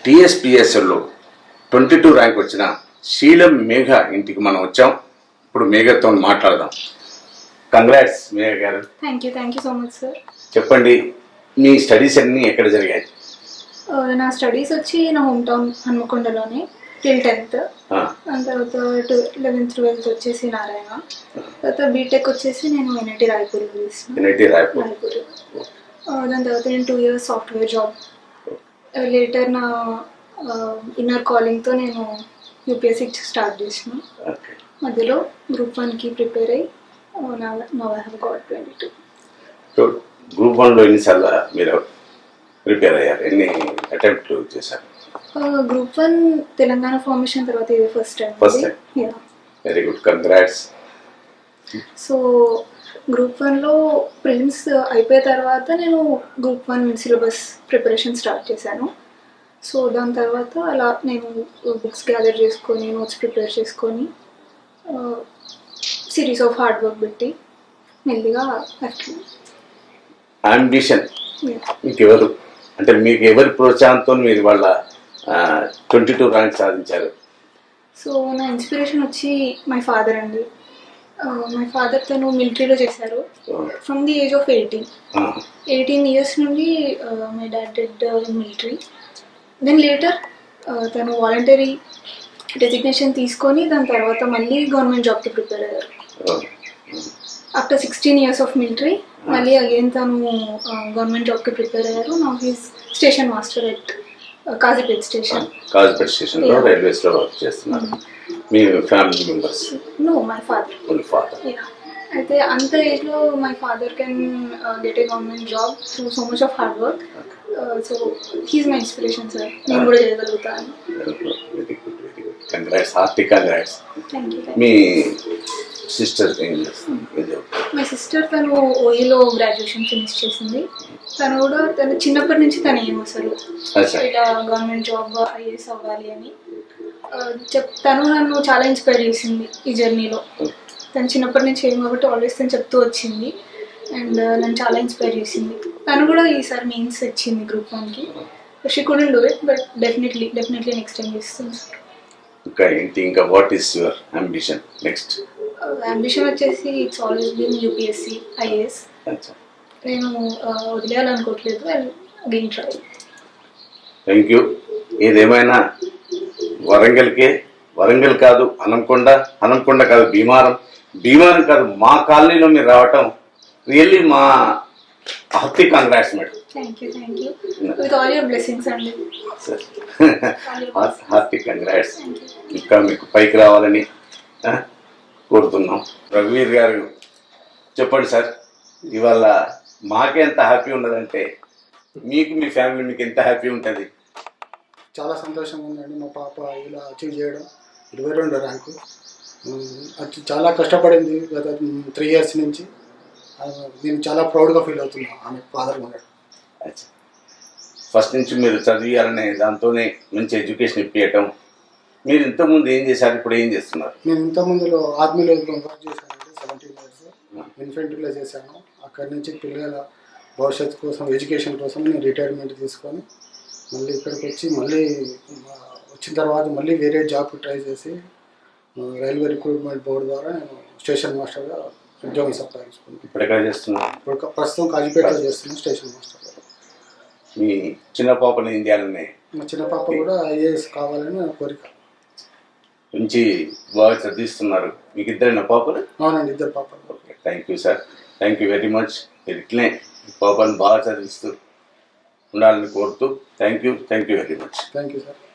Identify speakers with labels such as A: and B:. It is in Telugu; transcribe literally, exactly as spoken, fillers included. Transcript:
A: టీఎస్పీఎస్ఎల్లో ట్వంటీ టూ ర్యాంక్ వచ్చిన శీలం మేఘ ఇంటికి మనం వచ్చాం. ఇప్పుడు మేఘతో మాట్లాడదాం. కంగ్రాట్స్ మేఘ గారు.
B: Thank you thank you so much sir.
A: చెప్పండి, మీ స్టడీస్ అన్నీ ఎక్కడ జరిగాయి?
B: నా స్టడీస్ వచ్చి నా హోమ్ టౌన్ హన్మకొండలోనే టిల్ టెన్త్. దాని తర్వాత లెవెన్త్ ట్వెల్త్ వచ్చేసి నారాయణ. తర్వాత బీటెక్ వచ్చేసి నేను ఎన్ఐటి రాయపూర్లో చేసిన.
A: ఎన్ఐటి రాయపూర్.
B: రాయపూర్. దాని తర్వాత నేను two years software job. Later నా ఇన్నర్ కాలింగ్తో నేను యూపీఎస్సీ స్టార్ట్ చేసిన. మధ్యలో గ్రూప్ వన్కి ప్రిపేర్ అయ్యి నా I have got twenty two.
A: So group వన్లో ఎన్నిసార్లు మీరు ప్రిపేర్ అయ్యారు? ఎన్ని అటెంప్ట్లు చేశారు?
B: గ్రూప్ వన్ తెలంగాణ ఫార్మేషన్ తర్వాత ఇది first time.
A: First time. Very good, congrats.
B: So group వన్లో ప్రిలిమ్స్ అయిపోయిన తర్వాత నేను group one syllabus preparation start చేశాను. సో దాని తర్వాత అలా నేను బుక్స్ గ్యాదర్ చేసుకొని నోట్స్ ప్రిపేర్ చేసుకొని సిరీస్ ఆఫ్ హార్డ్ వర్క్ పెట్టి మెల్లిగా
A: అంబిషన్ మీకు ఎవరు అంటే మీకు ఎవరి ప్రోత్సాహంతో మీరు వాళ్ళ ట్వంటీ టూ ర్యాంక్ సాధించారు?
B: సో నా ఇన్స్పిరేషన్ వచ్చి మై ఫాదర్ అండి. మై ఫాదర్ తను మిలిటరీలో చేశారు from the age of eighteen eighteen years నుండి my dad did in military. Then later తను వాలంటరీ డెసిగ్నేషన్ తీసుకొని దాని తర్వాత మళ్ళీ గవర్నమెంట్ జాబ్కి ప్రిపేర్ అయ్యారు. After sixteen years of military మళ్ళీ అగైన్ తను గవర్నమెంట్ జాబ్కి ప్రిపేర్ అయ్యారు. నా he's station master at Kazipet station.
A: Kazipet స్టేషన్లో రైల్వేస్లో వర్క్ చేస్తున్నారు. మీ family members?
B: No, my father.
A: Only father.
B: అయితే అంత ఏజ్లో my father can get a government job through so much of hard work. So he's my inspiration sir. నేను కూడా చేయగలుగుతాను.
A: Very good, very good. Congrats, hearty congrats.
B: Thank you.
A: మీ సిస్టర్ ఏం చేస్తుంది?
B: మై సిస్టర్ తను ఓఈలో గ్రాడ్యుయేషన్ ఫినిష్ చేసింది. తను కూడా తను చిన్నప్పటి నుంచి తను ఏం అసలు ఇట్లా గవర్నమెంట్ జాబ్ ఐఏఎస్ అవ్వాలి అని చెప్ తను నన్ను చాలా ఇన్స్పైర్ చేసింది ఈ జర్నీలో. తను చిన్నప్పటి నుంచి ఏం కాబట్టి ఆల్వేస్ తను చెప్తూ వచ్చింది అండ్ నన్ను చాలా ఇన్స్పైర్ చేసింది. తను కూడా ఈసారి మెయిన్స్ వచ్చింది గ్రూప్ వన్కి. She couldn't do it but definitely definitely next time చేస్తుంది సార్.
A: ఇంకా ఏంటి, ఇంకా what is your ambition next?
B: Ambition వచ్చేసి it's always been UPSC IAS. నేను వదిలేయాలనుకోవట్లేదు. Again try.
A: Thank you. ఏదేమైనా వరంగల్కే, వరంగల్ కాదు హనంకొండ, హనంకొండ కాదు భీమారం, భీమారం కాదు మా కాలనీలో మీరు రావటం రియల్లీ మా hearty congrats madam.
B: Thank you thank you with all your blessings అండి.
A: Hearty congrats. ఇంకా మీకు పైకి రావాలని కోరుతున్నాం. రఘువీర్ గారు చెప్పండి సార్, ఇవాళ మాకే ఎంత హ్యాపీ ఉన్నదంటే మీకు మీ ఫ్యామిలీ మీకు ఎంత హ్యాపీ ఉంటుంది?
C: చాలా సంతోషంగా ఉందండి. మా పాప ఇలా అచీవ్ చేయడం, ఇరవై రెండు ర్యాంకు. అది చాలా కష్టపడింది గత త్రీ ఇయర్స్ నుంచి. నేను చాలా ప్రౌడ్గా ఫీల్ అవుతున్నాను ఆమె ఫాదర్ ఉండడం.
A: ఫస్ట్ నుంచి మీరు చదివాలనే దాంతోనే మంచి ఎడ్యుకేషన్ ఇప్పించటం. మీరు ఇంతకుముందు ఏం చేశారు, ఇప్పుడు ఏం చేస్తున్నారు?
C: నేను ఇంతకుముందులో ఆర్మీలో వర్క్ చేశానండి. సెవెంటీన్ ఇయర్స్ ఇన్ఫెంట్రీలో చేశాను. అక్కడి నుంచి పిల్లల భవిష్యత్తు కోసం, ఎడ్యుకేషన్ కోసం నేను రిటైర్మెంట్ తీసుకొని మళ్ళీ ఇక్కడికి వచ్చి మళ్ళీ వచ్చిన తర్వాత మళ్ళీ వేరే జాబ్ ట్రై చేసి రైల్వే రిక్రూట్మెంట్ బోర్డు ద్వారా నేను స్టేషన్ మాస్టర్గా ఉద్యోగం సంపాదించుకున్నాను.
A: ఇప్పుడు ఎక్కడ చేస్తున్నాను?
C: ఇప్పుడు ప్రస్తుతం కాజీపేటలో చేస్తున్నాను స్టేషన్ మాస్టర్.
A: మీ చిన్న పాపని ఏం చేయాలని?
C: మా చిన్న పాప కూడా ఐఏఎస్ కావాలని నా కోరిక.
A: మంచి బాగా చదివిస్తున్నారు. మీకు ఇద్దరైన పాపలు?
C: అవునండి, ఇద్దరు పాపలు.
A: Okay, thank you sir. Thank you very much. మీరు ఇట్లనే పాపను బాగా చదివిస్తూ ఉండాలని కోరుతూ thank you thank you very much.
C: Thank you sir.